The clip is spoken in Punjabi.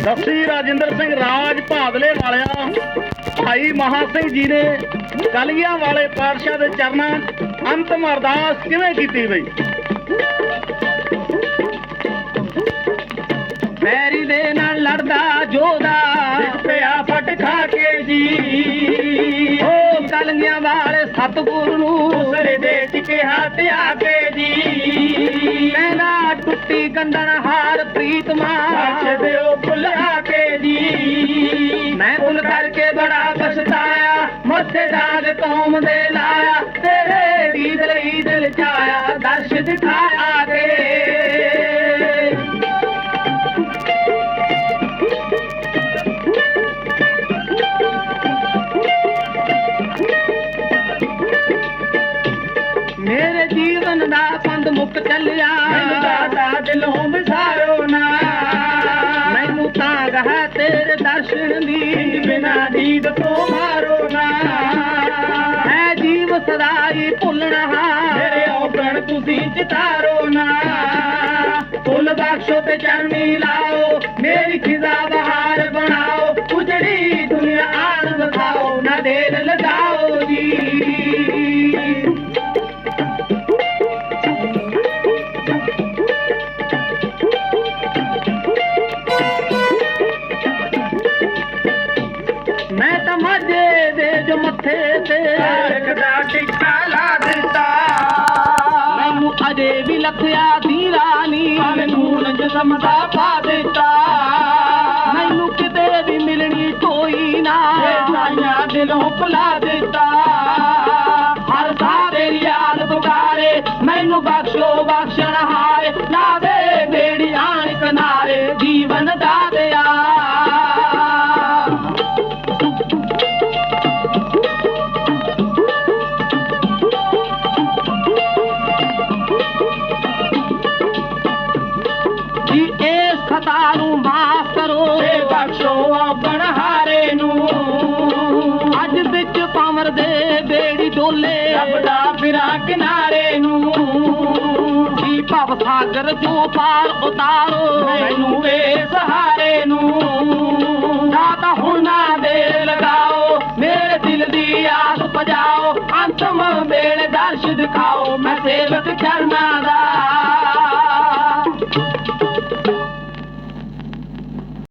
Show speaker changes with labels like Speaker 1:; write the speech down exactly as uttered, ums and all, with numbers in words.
Speaker 1: ਦਸੀ ਰਾਜਿੰਦਰ ਸਿੰਘ ਰਾਜ ਭਾਦਲੇ ਵਾਲਿਆ ਭਾਈ ਮਹਾ ਸਿੰਘ ਜੀ ਨੇ ਕਲਗੀਆਂ ਵਾਲੇ ਪਾਤਸ਼ਾਹ ਦੇ ਚਰਨਾਂ ਅੰਤਮ ਅਰਦਾਸ ਕਿਵੇਂ ਕੀਤੀ ਬਈ?
Speaker 2: ਪੈਰੀ ਦੇ ਨਾਲ ਲੜਦਾ ਜੋਦਾ
Speaker 1: ਪਿਆ ਫਟ ਖਾ ਕੇ ਜੀ,
Speaker 2: ਓ ਕਲਗੀਆਂ ਵਾਲੇ ਸਤਿਗੁਰ ਨੂੰ
Speaker 1: ਸਿਰ ਦੇ ਟਿਕੇ ਹੱਥ ਆ ਕੇ ਜੀ,
Speaker 2: ਕਹਿੰਦਾ ਟੁੱਟੀ ਗੰਢਣ ਹਾਰ ਪ੍ਰੀਤਮਾ
Speaker 1: ਬਖਸ਼ ਦਿਓ ਭੁਲਾ ਕੇ ਜੀ।
Speaker 2: ਮੈਂ ਭੁੱਲ ਕਰਕੇ ਬੜਾ ਪਛਤਾਇਆ, ਮੱਥੇ ਦਾਗ ਕੌਮ ਦੇ ਲਾਇਆ, ਤੇਰੇ ਦੀਦ ਲਈ ਦਿਲ ਚਾਇਆ, ਦਰਸ਼ ਦਿਖਾ ਆ ਕੇ। ਮੇਰੇ ਜੀਵਨ ਦਾ ਪੰਧ ਮੁੱਕ ਚੱਲਿਆ,
Speaker 1: ਮੈਨੂੰ ਦਾਤਾ ਦਿਲੋਂ ਵਿਸਾਰੋ ਨਾ,
Speaker 2: ਮੈਨੂੰ ਤਾਂਗ ਹੈ ਤੇਰੇ ਦਰਸ਼ਨ ਦੀ,
Speaker 1: ਬਿਨਾ ਦੀਦ ਤੋਂ ਮਾਰੋ ਨਾ।
Speaker 2: ਹੈ ਜੀਵ ਸਦਾਈ ਭੁੱਲਣਾ,
Speaker 1: ਮੇਰੇ ਔਗਣ ਤੁਸੀਂ ਚਿਤਾਰੋ ਨਾ,
Speaker 2: ਫੁੱਲ ਬਖਸ਼ੋ ਤੇ ਚਰਨੀ ਲਾਓ, ਮੇਰੀ ਖਿਜ਼ਾ ਬਹਾਰ ਬਣਾਓ, ਉਜੜੀ ਦੁਨੀਆ ਆਣ ਵਿਖਾਓ, ਨਾ ਦੇਰ ਲਗਾਓ ਜੀ। ਮੈਂ ਤਾਂ ਮਾਝੇ ਦੇ ਜੋ ਮੱਥੇ ਤੇ
Speaker 1: ਤਾਰਕ ਦਾ ਟਿੱਕਾ ਲਾ ਦਿੱਤਾ,
Speaker 2: ਮੈਨੂੰ ਅਜੇ ਵੀ ਲੱਥਿਆ ਦੀ ਰਾਨੀ,
Speaker 1: ਮੈਨੂੰ ਜਿਸਮ ਦਾ ਪਾ ਦਿੱਤਾ,
Speaker 2: ਮੈਨੂੰ ਕਿਤੇ ਵੀ ਮਿਲਣੀ ਕੋਈ ਨਾ,
Speaker 1: ਇਹ ਸਾਈਆਂ ਦਿਲੋਂ ਭੁਲਾ ਦਿੱਤਾ।
Speaker 2: ਹਰ ਸਾਹ ਤੇਰੀ ਯਾਦ ਪੁਕਾਰੇ, ਮੈਨੂੰ ਬਖਸ਼ੋ ਬਖਸ਼ਣ ਹਾਰੇ, ਲਾਵੇ ਬੇੜੀ ਆਣ ਕਿਨਾਰੇ, ਜੀਵਨ ਦਾ ਦਿਆ। ਜੀ ਇਸ ਖਤਾ ਨੂੰ ਮਾਫ ਕਰੋ,
Speaker 1: ਤੇ ਬਖਸ਼ੋ ਔਗਣ ਹਾਰੇ ਨੂੰ,
Speaker 2: ਅੱਜ ਵਿੱਚ ਪਾਵਰ ਦੇ ਬੇੜੀ ਡੋਲੇ,
Speaker 1: ਲੱਭਦਾ ਫਿਰਾਂ ਕਿਨਾਰੇ ਨੂੰ,
Speaker 2: ਜੀ ਭਵ ਸਾਗਰ ਜੋ ਪਾਰ ਉਤਾਰੋ,
Speaker 1: ਮੈਨੂੰ ਵੇ ਸਹਾਰੇ ਨੂੰ।
Speaker 2: ਦਾਤਾ ਹੁਣ ਨਾ ਦੇਰ ਲਗਾਓ, ਮੇਰੇ ਦਿਲ ਦੀ ਆਸ ਪਜਾਓ, ਅੰਤਮ ਵੇਲੇ ਦਰਸ਼ ਦਿਖਾਓ,